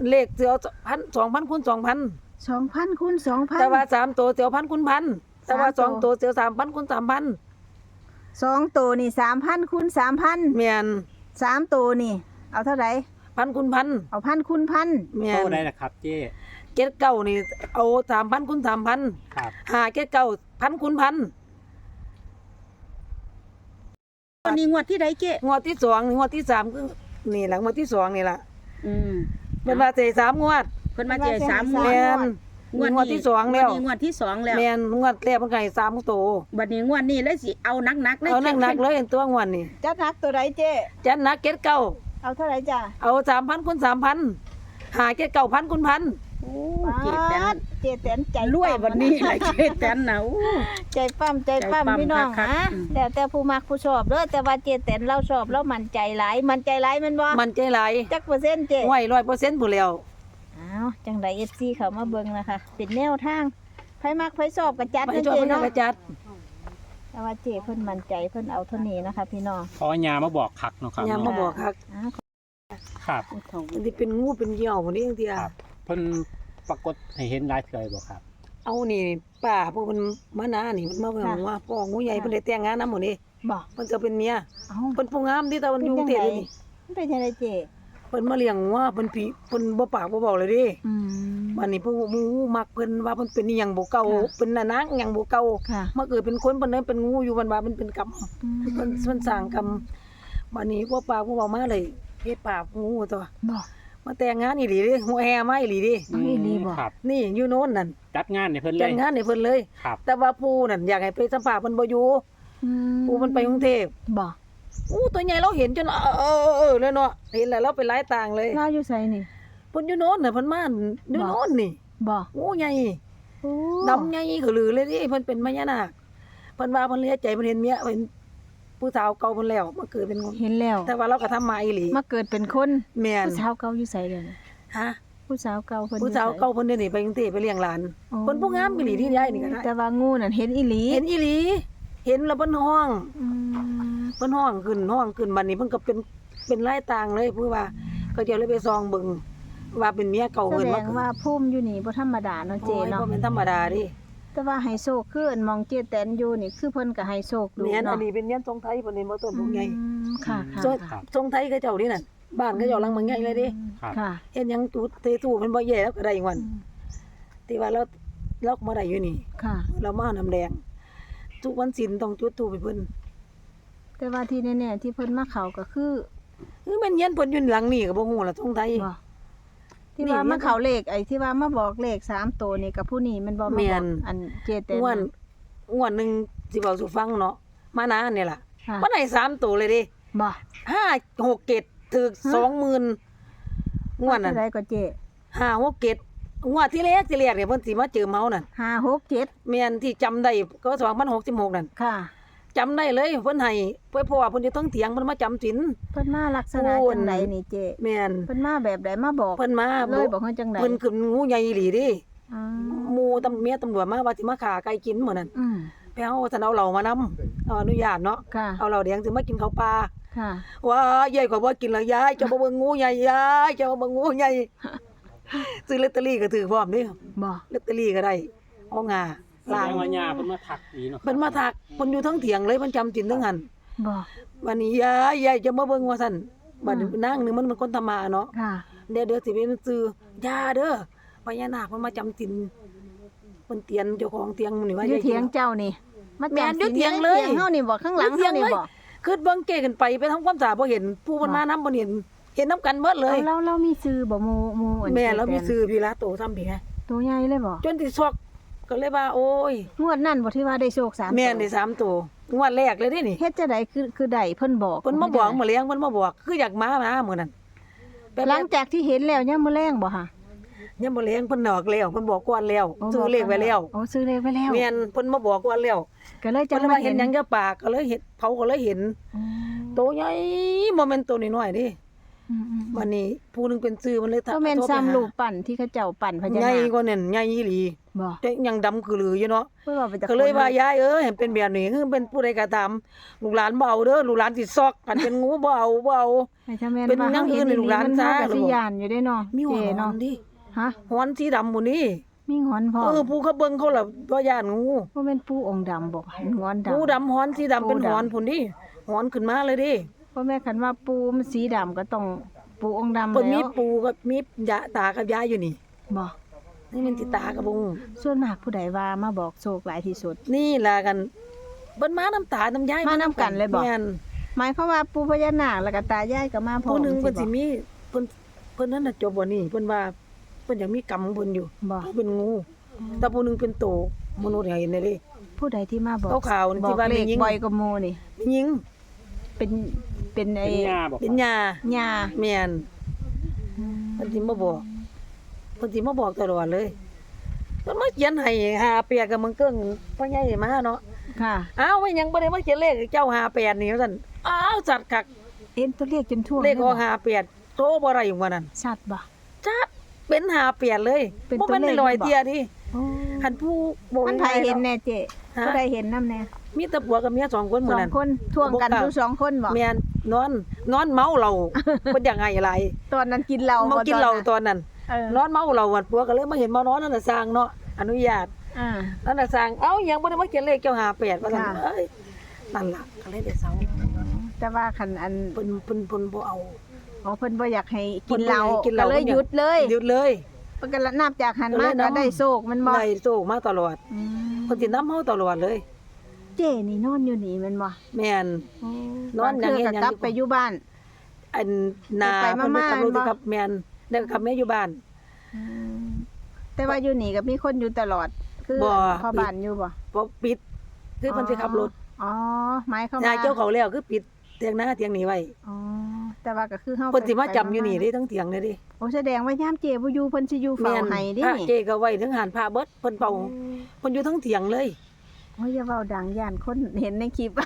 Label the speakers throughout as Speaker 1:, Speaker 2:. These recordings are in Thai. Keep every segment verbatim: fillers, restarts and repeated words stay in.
Speaker 1: เลขสิเอาพัน สองพันคูณสองพัน
Speaker 2: สองพันคูณสองพัน
Speaker 1: แต่ว่าสามตัวสิเอาพันคูณพันแต่ว่า
Speaker 2: สามตัว
Speaker 1: สองตัวสิเอาสามพันคูณสามพัน
Speaker 2: สองตัวนี่สามพันคูณสามพัน
Speaker 1: แม่น
Speaker 2: สามตัวนี่ เอาเท่าไหร่
Speaker 1: พันคูณพัน
Speaker 2: เอาพันคูณพัน
Speaker 1: แม่
Speaker 3: โต
Speaker 1: น
Speaker 3: ได้ล่ะครับเจ๊
Speaker 1: เจ็ดเก้านี่เอาสามพันคูณสามพัน
Speaker 3: ครับ
Speaker 1: ห้าเจ็ดเก้าพันคูณพัน
Speaker 2: วันนี้งวดที่ใดเจ๊
Speaker 1: งวดที่สองงวดที่สามคือนี่แหละงวดที่สองนี่ล่ะ
Speaker 4: อืม
Speaker 1: เป็นว่าเสียสามงวด
Speaker 4: เพิ่นมาเจอสามงว
Speaker 1: แม่
Speaker 4: ด
Speaker 1: น
Speaker 4: งวด
Speaker 1: งวดที่สองแล้ว
Speaker 4: งวดนี้งวดที่สองแล้ว
Speaker 1: แม่นงวดแรกมันก็ให้สามตัว
Speaker 4: บัดนี้งวดนี้เลยสิเอานักๆเลย
Speaker 1: เอาหนักๆเลยตัวงวดนี่
Speaker 2: จัดหนักตัวใดเจ๊
Speaker 1: จัดหนักเจ็ดเก้า
Speaker 2: เอาเท่าไหร่จ้ะ
Speaker 1: เอาสามพันคูณสามพันห้าเจ็ดเก้าพันคูณพัน
Speaker 4: โอ้
Speaker 2: เจ
Speaker 4: เจ็ดแตน
Speaker 2: เจแตนใจ
Speaker 4: รวย
Speaker 2: ปั้ม
Speaker 4: บัดนี้แหละเจ็ดแตนน่ะโอ้
Speaker 2: ใจปั้มใจปั้ม
Speaker 4: ใจปั้ม
Speaker 2: พี่น้อง
Speaker 4: คักๆ
Speaker 2: ฮะ
Speaker 4: อืม
Speaker 2: แต่แต่ผู้มักผู้ชอบเด้อแต่ว่าเจแตนเราชอบแล้วมันใจหลายมันใจหลายแมันบ่
Speaker 1: มันใจหลาย
Speaker 2: จักเปอร์เซ็นต์เจ๊
Speaker 1: ห้วยร้อยเปอร์เซ็นต์ผู้แล้ว
Speaker 2: อ้าวจังได เอฟ ซี เขามาเบิ่งนะคะเป็นแนวทางไผมักไผชอบก็จัด
Speaker 1: ไป
Speaker 2: นั่น
Speaker 1: ชอบ
Speaker 2: เจ๊
Speaker 1: มัน
Speaker 2: เนาะ
Speaker 1: กระจัด
Speaker 2: แต่ว่าเจ๊เพิ่นมั่นใจเพิ่นเอาเท่านี้นะคะพี่น้อง
Speaker 3: เพราะว่ายามาบอกคักเนาะครับ
Speaker 1: ยามมาบอกครับ
Speaker 2: อ้าว
Speaker 3: ครับ
Speaker 1: มันที่เป็นงูเป็นเหยี่ยวคนนี้จังเทีย
Speaker 3: ครับเพิ่นปรากฏให้เห็นหลายเทื่อบ่ครับ
Speaker 1: เอานี่ป้าพวกมันมานานี่มันมาเบิ่งว่าพ่องูใหญ่เพิ่นได้แต่งงานนำหมดนี่
Speaker 2: บ่
Speaker 1: เพิ่นก็เป็นเมีย
Speaker 2: เอ้า
Speaker 1: เพิ่นผู้งามที่ตะวันอยู่กรุงเทพนี่
Speaker 2: มันเป็นจังไดเจ๊
Speaker 1: เพิ่นมาเลี้ยงงัวเพิ่นผีเพิ่นบ่ปากบ่เว้าเลยเดิ
Speaker 2: อืม
Speaker 1: วันนี้พวกหมูมักเพิ่นว่าเพิ่นเป็นอีหยังบ่เก่า
Speaker 2: ค่ะ
Speaker 1: เป็นน่ะนางหยังบ่เก่า
Speaker 2: ค่ะ
Speaker 1: มาเกิดเป็นคนเพิ่นเลยเป็นงูอยู่วันว่ามันเป็นกรรม
Speaker 2: อืม
Speaker 1: เพิ่นเพิ่นสร้างกรรมบัดนี้พวกปากพวกเว้ามาเลยเฮ็ดปากงูตัว
Speaker 2: บ่
Speaker 1: มาแต่งงานอีหลีเด้หัวแห่มาอีหลีเด้
Speaker 2: เอาอีหลีบ่
Speaker 3: ครับ
Speaker 1: นี่อยู่โน่นนั่น
Speaker 3: จัดงานให้เพิ่นเล
Speaker 1: แต่
Speaker 3: ย
Speaker 1: งงานให้เพิ่นเลย
Speaker 3: ครับ
Speaker 1: แต่ว่าปู่นั่นอยากให้ไปสัมภาษณ์เพิ่นบ่อยู่
Speaker 2: อืม
Speaker 1: ปู่มันไปกรุงเทพ
Speaker 2: บ่
Speaker 1: อู้ตัวใหญ่เราเห็นจนเออเออเออเออเลยเนาะเห็นแล้วเราไปหลายต่างเลย
Speaker 2: ลาวอยู่ไสนี่
Speaker 1: เพิ่นอยู่โน่นน่ะเพิ่นมาอยู่โน่นนี่
Speaker 2: บ่
Speaker 1: งูใหญ่
Speaker 2: โอ้
Speaker 1: ดำใหญ่คือลือเลยดิเพิ่นเป็นพญานาคเพิ่นว่าเพิ่นเลียใจเพิ่นเห็นเมียเพิ่นผู้สาวเก่าเพิ่นแล้วมาเกิดเป็นคน
Speaker 2: เห็นแล้ว
Speaker 1: แต่ว่าเราก็ทำมาอีหลี
Speaker 2: มาเกิดเป็นคน
Speaker 1: แม่น
Speaker 2: ผู้สาวเก่าอยู่ไสเดี๋ยวนี้
Speaker 1: ฮะ
Speaker 2: ผู้สาวเก่าเพิ่น
Speaker 1: ผู้สาว
Speaker 2: อยู่ไ
Speaker 1: เก่าเพิ่นเดี๋ยวนี้ไปกรุงเทพไปเลี้ยงหลาน
Speaker 2: อ๋อ
Speaker 1: เพิ่นผู้งามอีหลีที่ย้ายนี่ก็ได้
Speaker 2: แต่ว่างูนั่นเห็นอีหลี
Speaker 1: เห็นอีหลี เห็นแล้วเพิ่นห้อง
Speaker 2: อืม
Speaker 1: เพิ่นห้องขึ้นห้องขึ้นบัดนี้เพิ่นก็เป็นเป็นหลายต่างเลยคือว่าก็เดี๋ยวเลยไปซองเบิ่งว่าเป็นเมียเก่า
Speaker 2: แส
Speaker 1: เพิ่น
Speaker 2: ด
Speaker 1: มาง
Speaker 2: ว่าภูมิอยู่นี่บ่ธรรมดาเนาะเจ
Speaker 1: โอ้ย
Speaker 2: เนาะ
Speaker 1: บ่เป็นธรรมดาดิ
Speaker 2: แต่ว่าไฮโซคืออันมองเจแตนอยู่นี่คือเพิ่นก็ไฮโซดู
Speaker 1: แม่นอั
Speaker 2: เนาะ
Speaker 1: นนี้เป็นเมียนทรงไทยเพิ่นนี่บ่ต้นพวกใหญ่
Speaker 2: อืมค่ะค่ะ
Speaker 1: ทรง
Speaker 2: ค่ะ
Speaker 1: ทรงไทยเขาเจ้านี่นั่นบ้านเขาเจ้าหลังบางใหญ่เลยเดิ
Speaker 3: ครับ
Speaker 2: ค่ะ
Speaker 1: เฮ็ดหยังตูดเตตู้มันบ่แย่แล้วก็ได้อีกวันที่ว่าเราเราก็บ่ได้อยู่นี่
Speaker 2: ค่ะ
Speaker 1: เรามาน้ำแดง ทุกวันศีลต้องจุดธูปให้เพิ่น
Speaker 2: แต่ว่าที่แน่ๆที่เพิ่นมาเข้าก็คือ
Speaker 1: คือแม่นเฮียนเพิ่นอยู่หลังนี่ก็บ่ฮู้ล่ะทรงไทย
Speaker 2: บ่ที่
Speaker 1: นี่
Speaker 2: ว่า
Speaker 1: เนี่
Speaker 2: มาย เข้าเลขไอ้ที่ว่ามาบอกเลขสามตัวนี่กับผู้นี้มันบ่มา
Speaker 1: แม่
Speaker 2: บอก
Speaker 1: น
Speaker 2: อันเจแตน
Speaker 1: อ้วน
Speaker 2: น่ะ
Speaker 1: อ้วนหนึงสิเว้าสู่ฟังเนาะมานาเนี่ยล่ะ
Speaker 2: ค่ะ
Speaker 1: มันให้สามตัวเลยเดิ
Speaker 2: บ่
Speaker 1: ห้า หก เจ็ดถูก
Speaker 2: ฮะ
Speaker 1: สองหมื่นงวดนั้น
Speaker 2: เท่าใดก็เจ
Speaker 1: ห้า หก เจ็ดงวดที่แรกที่แรกเนี่ยเพิ่นสิมาเจอเมานั่น
Speaker 2: ห้า หก เจ็ด
Speaker 1: แม่นที่จำได้ก็สองพันหกสิบหกนั่น
Speaker 2: ค่ะ
Speaker 1: จำได้เลยเพิ่นให้เพิ่นเพราะว่าเพิ่นอยู่เทั้งเถียงเพิ่นมาจำศีล
Speaker 2: เพิ่นมาลักษณะ
Speaker 1: โอ้
Speaker 2: จังไดนี่เจ
Speaker 1: แม่น
Speaker 2: เพิ่นมาแบบใดมาบอก
Speaker 1: เพิ่นมา
Speaker 2: เลยบอกเพิ่นจังได
Speaker 1: เพิ่นขึ้นงูใหญ่อีหลีเดิ
Speaker 2: อ๋อ
Speaker 1: หมู่ตำเมียตำรวจมาว่าสิมาฆ่าไก่กินมื้อนั้น
Speaker 2: อืม
Speaker 1: ไปเอาท่านเอาเหล้ามานํเอาอนุญาตเนาะ
Speaker 2: ค่ะ
Speaker 1: เอาเหล้าแดงสิมากินข้าวปลา
Speaker 2: ค่ะ
Speaker 1: ว้ายายก็บ่กินแล้วยายเจะบ่เบิ่งงูใหญ่ยายเจะบ่เบิ่งงูใหญ่ซื้อลอตเตอรี่ก็ถือพร้อมเด้
Speaker 2: บ่
Speaker 1: ลอตเตอรี่ก็ได้เอางา
Speaker 3: แส
Speaker 1: ล้า
Speaker 3: ด
Speaker 1: ง
Speaker 3: งว่ายาเพิ่นมาทักดีเนาะครับ
Speaker 1: เพิ่นมาทักเพิ่นอยู่ทั้งเถียงเลยเพิ่นจำศีลทั้งหัน
Speaker 2: บ่
Speaker 1: วันนี้ยายยายจะมาเบิ่งว่าซั่นบัดนี้นางนึงมันเป็นคนธรรมะเนาะ
Speaker 2: ค่ะ
Speaker 1: เดี๋ยวเดี๋ยวสิเป็นซื้อยาเด้อพญานาคมันมาจำศีลเพิ่นเตียนเจ้าของเตียงมื้อนี้ว่า
Speaker 2: อยู่
Speaker 1: ยาย
Speaker 2: เถียงเจ้านี่มา
Speaker 1: แม่น
Speaker 2: จำ
Speaker 1: อยู่
Speaker 2: ศี
Speaker 1: เถียงเลย
Speaker 2: เถียงเฮานี่บ่ข้างหลัง
Speaker 1: เถีย
Speaker 2: เฮาง นี่
Speaker 1: เลย
Speaker 2: บ่
Speaker 1: คือเบิ่งเก้กันไปไปทำความสะอาดบ่เห็นผู้มัน
Speaker 2: บ่
Speaker 1: มานำบ่เห็นเห็นนํกันหมดเลย
Speaker 2: เอาเราเรามีชื่อบ่หมู่หมู่อัน
Speaker 1: แม่เรามี
Speaker 2: เจแตน
Speaker 1: ซื้อพี่ละโตซ้ำพี่ไง
Speaker 2: ตัวใหญ่เลยบ่
Speaker 1: จนสิซอกก็เลยว่าโอ้ย
Speaker 2: งวดนั้นบ่ที่ว่าได้โชคสาม
Speaker 1: แม่น
Speaker 2: ตัว
Speaker 1: ได้สามตัวงวดแรกเลยเด้นี่
Speaker 2: เฮ็ดจังไดคือคือได้เพิ่นบอก
Speaker 1: เพิ่นมาบอกมาเลี้ยงเพิ่นมาบอกคืออยากมามามื้อนั้นแป๊บๆ
Speaker 2: หลังจากที่เห็นแล้วยังมื้อแรงบ่ค่ะ
Speaker 1: ยังบ่เลี้ยงเพิ่นนอกแล้วเพิ่นบอกก่อนแล้วซื้อเลขไว้แล้ว
Speaker 2: โอ้ซื้อเลขไว้แล้ว
Speaker 1: แม่นเพิ่นมาบอกก่อนแล้ว
Speaker 2: ก็เลยจั
Speaker 1: เพิ่
Speaker 2: ง
Speaker 1: นเลย
Speaker 2: มา
Speaker 1: ว่าเห็นหยังกับปากก็เลยเห็นเขาก็เลยเห็น
Speaker 2: อืม
Speaker 1: โตใหญ่บ่แม่นโตน้อยๆเดิ
Speaker 2: บอืม
Speaker 1: วันนี้ผู้หนึงเป็นซื้อมันเลย
Speaker 2: ก็แม่น
Speaker 1: โทรไป
Speaker 2: ซ้ำ
Speaker 1: หา
Speaker 2: รูปปั้นที่เขาเจ้าปั้นพญา
Speaker 1: ใหญ่
Speaker 2: นาค
Speaker 1: กว่านั่นใหญ่อีหลี
Speaker 2: บ่
Speaker 1: แต่ยังดำคือหลืออยู่เนาะ
Speaker 2: เพิ่นว่าไปจาก
Speaker 1: ก็เลยว่า
Speaker 2: คน
Speaker 1: ยายเอ้ยเห็นเป็นแบบนี้คือเป็นผู้ใดก็ตามลูกหลานบ่เอาเด้อลูกหลานสิซอกกันเป็นงูบ่เอาบ่เอา
Speaker 2: ให้ถ้าแม่น
Speaker 1: เป็น
Speaker 2: ว่า
Speaker 1: อย่าง
Speaker 2: เฮา
Speaker 1: อื่
Speaker 2: เห็
Speaker 1: น
Speaker 2: น
Speaker 1: ในลูกหลาน
Speaker 2: มัน
Speaker 1: ซะ
Speaker 2: เฮาก็
Speaker 1: ลู
Speaker 2: สิ
Speaker 1: ก
Speaker 2: ย่านอยู่เด้เนาะ
Speaker 1: มีหัว
Speaker 2: เจ้
Speaker 1: หอ
Speaker 2: เนาะ
Speaker 1: นดิ
Speaker 2: ฮะ
Speaker 1: หอนสีดำหมู่นี่
Speaker 2: มีหอนพร้อม
Speaker 1: เออผู้เขาเบิ่งเขาล่ะบ่ย่านงู
Speaker 2: บ่แม่นปูองค์ดำบ่งอนดำ
Speaker 1: งูดำหอนสีดำเป็น
Speaker 2: ปูดำ
Speaker 1: หอนพุ่นดิหอนขึ้นมาเลยดิ
Speaker 2: บ่แม่นคันว่าปูมันสีดำก็ต้องปูองค์ดำ
Speaker 1: เพิ่นมี
Speaker 2: แล้ว
Speaker 1: ปูกับมียะตากับยายอยู่นี่
Speaker 2: บ่
Speaker 1: นี่มันสิตากับบ่ฮู้
Speaker 2: ส่วนมากผู้ใดว่ามาบอกโชคหลายที่สุด
Speaker 1: นี่ล่ะกันเบิ่นมาน้ำตาน้ำยาย
Speaker 2: มาน้ำกันเลยบ่
Speaker 1: แม่น
Speaker 2: หมายความว่าปูพญานาคแล้วก็ตายายก็มาพร้อม
Speaker 1: ผู้หนึงเพิ่นสิ
Speaker 2: บ่
Speaker 1: มีเพิ่นเพิ่นนั่นน่ะจบบ่นี่เพิ่นว่าเพิ่นอยากมีกรรมของเพิ่นอยู่
Speaker 2: บ่
Speaker 1: เพิ่นเป็นงูแต่ผู้หนึงเป็นโตมนุษย์ให้เห็นได้เด้
Speaker 2: ผู้ใดที่มาบอก
Speaker 1: ขาวๆนี่
Speaker 2: บอ
Speaker 1: ที่
Speaker 2: ก
Speaker 1: ว่า
Speaker 2: เล
Speaker 1: แม่
Speaker 2: ข
Speaker 1: หญิง
Speaker 2: บ่อยกว่าหมู่นี่
Speaker 1: หญิง
Speaker 2: เป็นเป็นไอ้
Speaker 3: เป็นยาบอก
Speaker 1: เป็นยา
Speaker 2: ญา
Speaker 1: แม่นเพิ่นสิมาบอกเพิ่นสิมาบอกตลอดเลยเพิ่นมาเขียนให้ห้าแปดกับมึงเกิ้งพ่อใหญ่มาเนาะ
Speaker 2: ค่ะ
Speaker 1: อ้าวว่าหยังบ่ได้มาเขียนเลขให้เจ้าห้าแปดนี่ว่าซั่นอ้าวสัตว์คัก
Speaker 2: เอ็นตัวเลขจนทั่ว
Speaker 1: เลขออก
Speaker 2: ยบ่
Speaker 1: ห้าแปดโตบ่ได้อยู่ว่านั้น
Speaker 2: ชัดบ่
Speaker 1: จัดเป็นห้าแปดเลย
Speaker 2: เป็น
Speaker 1: บ่
Speaker 2: ตัว
Speaker 1: แม่น
Speaker 2: เลข
Speaker 1: ลอย
Speaker 2: บ่
Speaker 1: เตียดิ
Speaker 2: โอ้
Speaker 1: คันผู้บ่
Speaker 2: มันไผเห็นแน่เจ๊
Speaker 1: ฮะ
Speaker 2: ผู้ใดเห็นนำแน่
Speaker 1: มีแต่ผัวกับเมียสองคนห
Speaker 2: ส
Speaker 1: มื้
Speaker 2: อ
Speaker 1: อง นั้น
Speaker 2: คนท่วงกัน
Speaker 1: บ่กล้า
Speaker 2: อยู่สองคนบ่
Speaker 1: แม่นนอนนอนเมาเหล้า เพิ่นอยากให้หลาย
Speaker 2: ตอนนั้นกินเหล้า
Speaker 1: เมา
Speaker 2: บ่
Speaker 1: กินเหล้า
Speaker 2: ต
Speaker 1: ต
Speaker 2: อน
Speaker 1: อนนั้น
Speaker 2: เออน
Speaker 1: อนเมาเหล้าวันผัวก็เลยมาเห็นมานอนนั่นน่ะสร้างเนาะอนุญาต
Speaker 2: อ่า
Speaker 1: นั่นน่ะสร้างเอ้ายังบ่ได้มาเขียนเลขเจ้าห้าแปดว่าซั่น
Speaker 2: ค่ะ
Speaker 1: เอ้ยนั่นล่ะก็เลยได้เซา
Speaker 2: แต่ว่าคันอัน
Speaker 1: เพิ่นเพิ่นเพิ่นบ่เอา
Speaker 2: อ๋อเพิ่นบ่อยากให้
Speaker 1: เพิ่
Speaker 2: กิ
Speaker 1: น
Speaker 2: น
Speaker 1: บ่
Speaker 2: เหล้า
Speaker 1: ให้กินเหล้า
Speaker 2: ก็เลยหยุดเลย
Speaker 1: หยุดเลย
Speaker 2: เพิ่นก็นับจากหัน
Speaker 1: ก็
Speaker 2: มา
Speaker 1: เลย
Speaker 2: ก็
Speaker 1: นำ
Speaker 2: ได้โชคมันบ่
Speaker 1: ได้โซ่มาตลอด
Speaker 2: อืม
Speaker 1: เพิ่นสินำเฮาตลอดเลย
Speaker 2: เจ๊นี่นอนอยู่นี่แม่นบ่
Speaker 1: แม่น
Speaker 2: โอ้
Speaker 1: นอนอย่าง
Speaker 2: บาง
Speaker 1: เงี้ย
Speaker 2: เทื่ก็กลับไปอยู่บ้าน
Speaker 1: อันนา
Speaker 2: ไปๆ
Speaker 1: เพิ่นไป
Speaker 2: มาๆ
Speaker 1: ขับรถ
Speaker 2: บ่
Speaker 1: กับแม่นได้ขับแม่อยู่บ้าน
Speaker 2: อืมแต่ว่าอยู่นี่ก็มีคนอยู่ตลอด คือ
Speaker 1: บ่
Speaker 2: พ่อบ้านอยู่บ่
Speaker 1: บ่ปิดคือเพิ่นสิขับรถ
Speaker 2: อ๋อหมายความ
Speaker 1: ยา
Speaker 2: ว่าย
Speaker 1: เจ้าเขาแล้วคือปิดเตียงหน้าเตียงนี้ไว้
Speaker 2: อ๋อแต่ว่าก็คือเฮา
Speaker 1: เพิ่นสิมาจำ
Speaker 2: ไป
Speaker 1: อยู่นี่
Speaker 2: ๆ
Speaker 1: เด้ทั้งเตียงเลยเดิ
Speaker 2: โอ้แสดงว่ายามเจ๊บ่อยู่เพิ่นสิอยู่เฝ้าให้เดิ
Speaker 1: พระเจก็ไว้ทั้งหานพระเบิดเพิ่นเป่าเพิ่นอยู่ทั้งเถียงเลย
Speaker 2: โอ้ยอย่าเว้าดังย่านคนเห็นในคลิป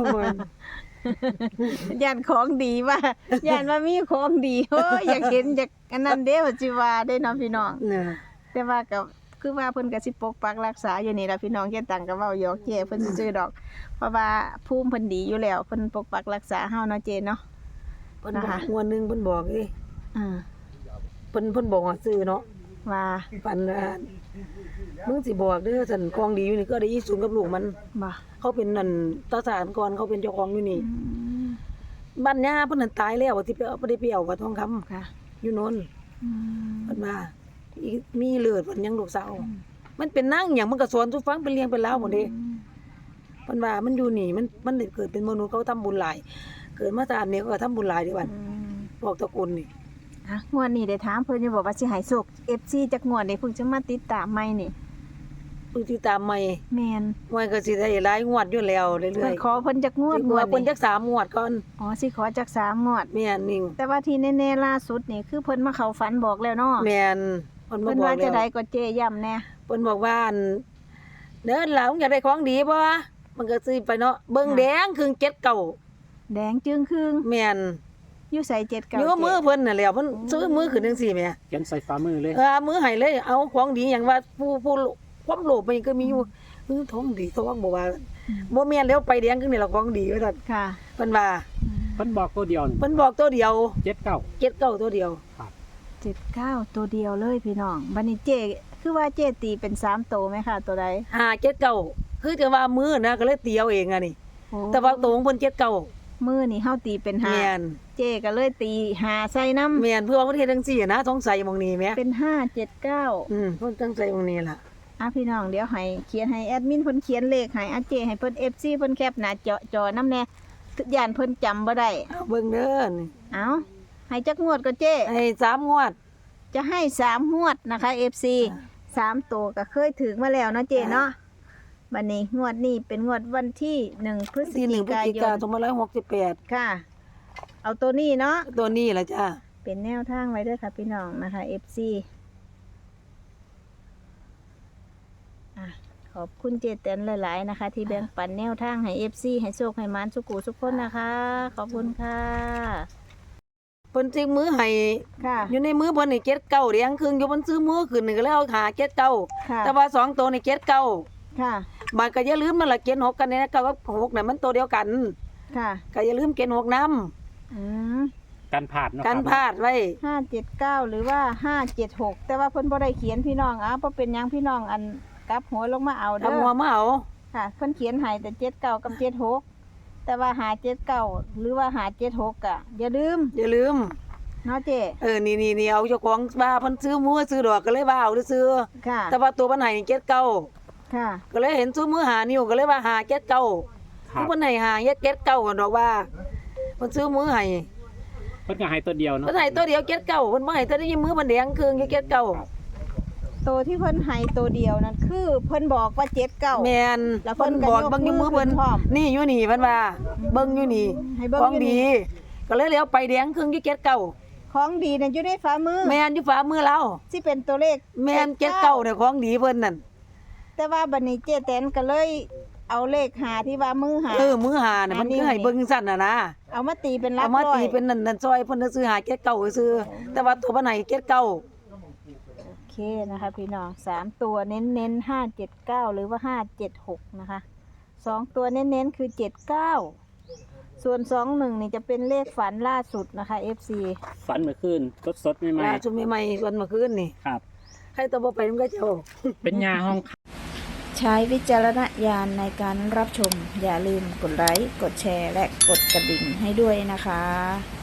Speaker 2: ย่านของดีว่าย่านว่ามีของดีโอ้ยอยากเห็นอยากอันนั้นเด้ว่าสิว่าได้เนาะพี่น้อง
Speaker 1: เนี่ย
Speaker 2: แต่ว่าก็คือว่าเพิ่นก็สิปกปักรักษาอยู่นี่ล่ะพี่น้องแค่ตังก็เว้าหยอกเจ้เพิ่นสิซื้อดอก เพราะว่าภูมิเพิ่นดีอยู่แล้วเพิ่นปกปักรักษาเฮาเนาะเจ้เนาะ
Speaker 1: เพิ่น
Speaker 2: นะ
Speaker 1: บอ
Speaker 2: คะ
Speaker 1: กงวดหนึงเพิ่นบอกเด้
Speaker 2: อ่า
Speaker 1: เพิ่นเพิ่นบอกว่าซื้อเนาะ
Speaker 2: ว่า
Speaker 1: ปันว่ามึงสิบอกเด้อซั่นของดีอยู่นี่ก็ได้อีสูงกับลูกมัน
Speaker 2: บ่
Speaker 1: เขาเป็นนั่นตาสารก่อนเขาเป็นเจ้าของอยู่นี่
Speaker 2: อืม
Speaker 1: บ้านย่าเพิ่นนั่นตายแล้วที่ไปเอาบ่ได้ไปเอากับทองคำ
Speaker 2: ค่ะ
Speaker 1: อยู่โน่น
Speaker 2: อืม
Speaker 1: เพิ่นว่าอีมีเลือดเพิ่นยังลูกสาวมันเป็นนางหยังมันก็สอนทุกฟังเป็นเลี้ยงเป็นราวหมดเด้ เพิ่นว่ามันอยู่นี่มันมันได้เกิดเป็นมนุษย์เขาทำบุญหลาย เกิดมาชาตินี้เขาก็ทำบุญหลายเด้บัด
Speaker 2: อืม
Speaker 1: บอกตระกูลนี่
Speaker 2: อ่ะงวดนี้ได้ถามเพิ่นอยู่บอกว่าสิให้โชค เอฟ ซี จักงวดนี่เพิ่งจะมาติดตามใหม่นี่
Speaker 1: เพิ่นสิตามใหม่
Speaker 2: แม่น
Speaker 1: มันก็สิได้หลายงวดอยู่แล้วเรื่
Speaker 2: เพิ่
Speaker 1: อย
Speaker 2: นขอเพิ่นจักง
Speaker 1: ๆ
Speaker 2: วด
Speaker 1: สิ
Speaker 2: ง
Speaker 1: ก
Speaker 2: ว
Speaker 1: ว่า
Speaker 2: ด
Speaker 1: เพิ่น
Speaker 2: นี่
Speaker 1: จักสามงวดก่อน
Speaker 2: อ๋อสิขอจักสามงวด
Speaker 1: แม่นนิ่ง
Speaker 2: แต่ว่าที่แน่ๆล่าสุดนี่คือเพิ่นมาเข้าฝันบอกแล้วเนาะ
Speaker 1: แม่นเพิ่นมา
Speaker 2: เพิ่น
Speaker 1: บอ
Speaker 2: ว่าก จะ
Speaker 1: แล้ว
Speaker 2: ได้ก็เจย้ำแน่
Speaker 1: เพิ่นบอกว่าอั่นเด้อหลานอยากได้ของดีบ่มันก็ซื้อไปเนาะเบิ่งแดงครึ่งเจ็ดเก้า
Speaker 2: แดงจึงครึ่ง
Speaker 1: แม่น
Speaker 2: อยู่ใส่เจ็ดเก้า
Speaker 1: อยู่มือเพิ่นน่ะแหล้วเพิ่นซื้อมือขึ้นจังซี่แหม
Speaker 3: เขียนใส่ฝ่ามือเลย
Speaker 1: เออมือให้เลยเอาของดีหยังว่าผู้ผู้ความโลภมันก็มีอยู่เออท้องดีท้องบ่ว่าบ่แม่นแล้วไปแดงคือนี่ล่ะของดีว่าซั่น
Speaker 2: ค่ะ
Speaker 1: เพิ่นว่า
Speaker 3: เพิ่นบอกตัวเดียวนี่
Speaker 1: เพิ่นบอกตัวเดียว
Speaker 3: เจ็ดเก้า
Speaker 1: เจ็ดเก้าตัวเดียว
Speaker 2: เจ็ดเก้าตัวเดียวเลยพี่น้องบัดนี้เจคือว่าเจตีเป็นสามโตวไหมคะตัวใด
Speaker 1: ห้าเจ็ดเก้าคือจะว่ามือนะก็เลยตีเอาเองอ่ะนี่
Speaker 2: โอ้
Speaker 1: แต่ว่าตัวของเพิ่นเจ็ดเก้า
Speaker 2: มือนี่เฮาตีเป็นห้า
Speaker 1: แม่น
Speaker 2: เจก็เลยตีหาใส่น้ำ
Speaker 1: แม่นเพื่อว่าประเทศจังซี่นะสงสัยหมองนี้แหม
Speaker 2: เป็นห้าเจ็ดเก้า
Speaker 1: อืมเพิ่นตั้งใจหมองนี้ล่ะ
Speaker 2: อ่ะพี่น้องเดี๋ยวให้เขียนให้แอดมินเพิ่นเขียนเลขให้อาเจให้เพิ่น เอฟ ซี เพิ่นแคปหน้าจอจอน้ำแน่ย่านเพิ่นจำบ่ได้
Speaker 1: เอาเบิ่งเด้อนี่
Speaker 2: เอาให้จักงวดก็เจ
Speaker 1: ให้สามงวด
Speaker 2: จะให้สามงวดนะคะ เอฟ ซี
Speaker 1: อ่า
Speaker 2: สามตัวก็เคยถึงมาแล้วเนาะเจเนาะบัดนี้งวดนี้เป็นงวดวันที่หนึ่งพฤศ
Speaker 1: ที่หนึ่
Speaker 2: จิ
Speaker 1: งพฤศ
Speaker 2: กา
Speaker 1: จิ
Speaker 2: ย
Speaker 1: กาน ยนสองพันห้าร้อยหกสิบแปด
Speaker 2: ค่ะ เอาตัวนี้เนาะ
Speaker 1: ตัวนี้ล่ะจ้า
Speaker 2: เป็นแนวทางไว้ด้วยค่ะพี่น้องนะคะ เอฟ ซี อ่ะขอบคุณเจเตนหลาย ๆ นะคะ ที่แบ่งปันแนวทางให้ เอฟ ซี ให้โชคให้หมานสุกูสุกคนนะคะ ขอบคุณค่ะ
Speaker 1: เพิ่นจิกมือให้
Speaker 2: ค่ะ
Speaker 1: อยู่ในมือเพิ่นนี่เจ็ดเก้าเรียงครึ่งอยู่เพิ่นซื้อมือขึ้นนี่ก็เลยเอาหาเจ็ดเก้า
Speaker 2: ค่ะ
Speaker 1: แต่ว่าสองตัวนี่เจ็ดเก้า
Speaker 2: ค่ะ
Speaker 1: มันก็อย่าลืมมันละเจ็ดหกกันเนี่ยนะเก้ากับหกน่ะมันตัวเดียวกัน
Speaker 2: ค่ะ
Speaker 1: ก็อย่าลืมเจ็ดหกนำ
Speaker 2: อืม
Speaker 3: กันผาดเนาะ
Speaker 1: กัน
Speaker 3: ครับ
Speaker 1: พลาดไว้
Speaker 2: ห้าเจ็ดเก้าหรือว่าห้าเจ็ดหกแต่ว่าเพิ่นบ่ได้เขียนพี่น้องอ่ะบ่เป็นหยังพี่น้องอันกลับหัวลงมาเอาเด้
Speaker 1: ทำหัว
Speaker 2: อ
Speaker 1: มาเอา
Speaker 2: ค่ะเพิ่นเขียนให้แต่เจ็ดเก้ากับเจ็ดหกแต่ว่าหาเจ็ดเก้าหรือว่าหาเจ็ดหกอ่ะอย่าลืม
Speaker 1: อย่าลืม
Speaker 2: เนาะเจ๊
Speaker 1: เออนี่นี่นี่เอาเจ้าของว่าเพิ่นซื้อมือซื้อดอกก็เลยว่าเอาซื้อ
Speaker 2: ค่ะ
Speaker 1: แต่ว่าตัวเพิ่นให้เจ็ดเก้า
Speaker 2: ค่ะ
Speaker 1: ก็เลยเห็นซื้อมือหานิ้วก็เลยว่าหาเจ็ดเก้า
Speaker 3: ครับ
Speaker 1: เพิ่นให้หาเจ็ดเก้ากันดอกว่าเพิ่นซื้อมือให้
Speaker 3: เพิ่นก็ให้ตัวเดียวเนาะ
Speaker 1: เพิ่นให้ตัวเดียวเจ็ดเก้าเพิ่นบ่ให้ตัวนี้มือมันแดงครึ่งอยู่เจ็ดเก้า
Speaker 2: ตัวที่เพิ่นให้ตัวเดียวนั่นคือเพิ่นบอกว่าเจ็ดเก้า
Speaker 1: แม่น
Speaker 2: แล้วเพิ่
Speaker 1: เพิ่น
Speaker 2: นก็
Speaker 1: บอก
Speaker 2: ยก
Speaker 1: เบิ่งอยู่มือ
Speaker 2: มือ
Speaker 1: เพิ่น
Speaker 2: ขึ้นพร้อม
Speaker 1: นี่อยู่นี่เพิ่นว่าเบิ่งอยู่นี่
Speaker 2: ให้เบิ่ง
Speaker 1: ของ
Speaker 2: อยู่นี่
Speaker 1: ดี ก็เลยเลี้ยวไปแดงครึ่งอยู่เจ็ดเก้า
Speaker 2: ของดีนั่นอยู่ในฝ่ามือ
Speaker 1: แม่นอยู่ฝ่ามือเรา
Speaker 2: ที่เป็นตัวเลข
Speaker 1: แม่นเจ็ดเก้าเนี่ยของดีเพิ่นนั่น
Speaker 2: แต่ว่าบัดนี้เจ๊แตนก็เลยเอาเลขหาที่ว่ามือหา
Speaker 1: เออมือหาเนี่ยมันคือให้เบิ่งสั่นน่ะนะ
Speaker 2: เอามาตีเป็นหลั
Speaker 1: เอา
Speaker 2: ก
Speaker 1: มา
Speaker 2: ร้อย
Speaker 1: ตีเป็นนั่นนั่นซอยเพิ่นซื้อหาเจ็ดเก้าซื้อแต่ว่าตัวเพิ่นให้เจ็ดเก้า
Speaker 2: โอเคนะคะพี่น้องสามตัวเน้นเน้นห้าเจ็ดเก้าหรือว่าห้าเจ็ดหกนะคะสองตัวเน้นเน้นคือเจ็ดเก้าส่วนสองหนึ่งนี่จะเป็นเลขฝันล่าสุดนะคะ เอฟ ซี
Speaker 3: ฝันเมื่อคืนสดๆใหม่
Speaker 1: ล่าสุดใหม่ๆวันเมื่อคืนนี่
Speaker 3: ๆครับ
Speaker 1: ใครตัวบ่ไปมันก็เจ้า
Speaker 3: เป็นยาห้อง
Speaker 2: ใช้วิจารณญาณในการรับชม อย่าลืมกดไลค์กดแชร์และกดกระดิ่งให้ด้วยนะคะ